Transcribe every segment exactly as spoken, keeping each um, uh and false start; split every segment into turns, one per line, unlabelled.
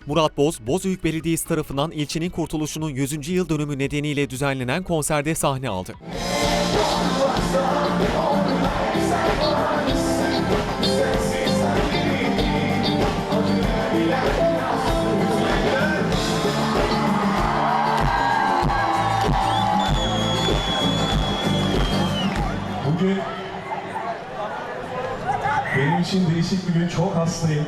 Murat Boz, Bozüyük Belediyesi tarafından ilçenin kurtuluşunun yüzüncü yıl dönümü nedeniyle düzenlenen konserde sahne aldı.
Bugün benim için değişik bir gün, çok hastayım.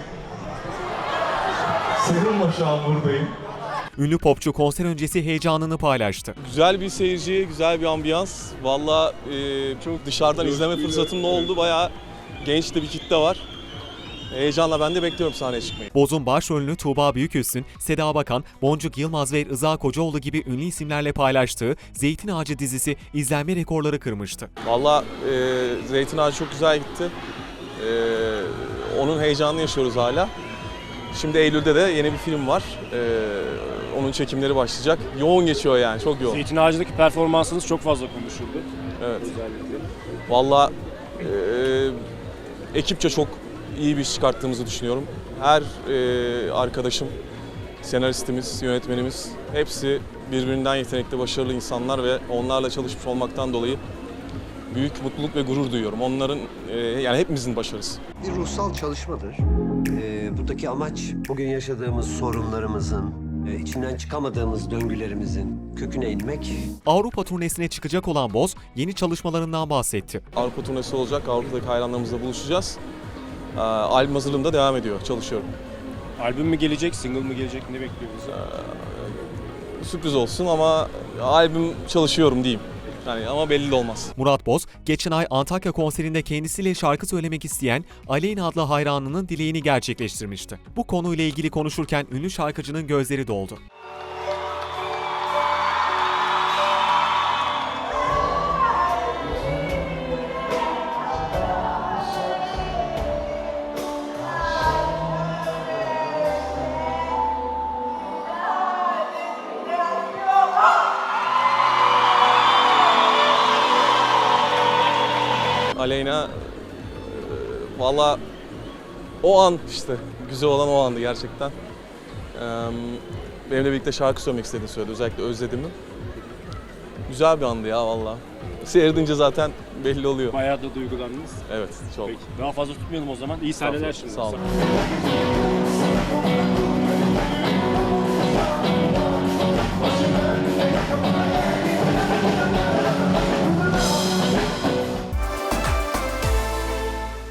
Sıkılma, şu an buradayım.
Ünlü popçu konser öncesi heyecanını paylaştı.
Güzel bir seyirci, güzel bir ambiyans. Valla e, çok dışarıdan izleme fırsatım da oldu. Bayağı genç de bir kitle var. Heyecanla ben de bekliyorum sahneye çıkmayı.
Boz'un başrolünü Tuğba Büyüküstün, Seda Bakan, Boncuk Yılmaz ve Rıza Kocaoğlu gibi ünlü isimlerle paylaştığı Zeytin Ağacı dizisi izlenme rekorları kırmıştı.
Valla e, Zeytin Ağacı çok güzel gitti. E, onun heyecanını yaşıyoruz hala. Şimdi Eylül'de de yeni bir film var. E, onun çekimleri başlayacak. Yoğun geçiyor yani, çok yoğun.
Zeytin Ağacı'ndaki performansınız çok fazla konuşuldu.
Evet.
Özellikle.
Valla e, ekipçe çok iyi bir iş çıkarttığımızı düşünüyorum. Her e, arkadaşım, senaristimiz, yönetmenimiz hepsi birbirinden yetenekli, başarılı insanlar ve onlarla çalışmış olmaktan dolayı büyük mutluluk ve gurur duyuyorum. Onların, e, yani hepimizin başarısı.
Bir ruhsal çalışmadır. Ee, buradaki amaç bugün yaşadığımız sorunlarımızın, e, içinden çıkamadığımız döngülerimizin köküne inmek.
Avrupa turnesine çıkacak olan Boz, yeni çalışmalarından bahsetti.
Avrupa turnesi olacak, Avrupa'daki hayranlarımızla buluşacağız. E, albüm hazırlığım da devam ediyor, çalışıyorum.
Albüm mü gelecek, single mı gelecek, ne bekliyor bizi?
Sürpriz olsun ama albüm çalışıyorum diyeyim. Yani ama belli de olmaz.
Murat Boz, geçen ay Antakya konserinde kendisiyle şarkı söylemek isteyen Aleyna adlı hayranının dileğini gerçekleştirmişti. Bu konuyla ilgili konuşurken ünlü şarkıcının gözleri doldu.
Aleyna, e, valla o an işte, güzel olan o andı gerçekten. E, benimle birlikte şarkı söylemek istediğini söyledi, özellikle özlediğimi. Güzel bir andı ya valla. Seyredince zaten belli oluyor.
Bayağı da duygulandınız.
Evet, çok.
Peki, daha fazla tutmayalım o zaman. İyi sahneler şimdi.
Sağ olun.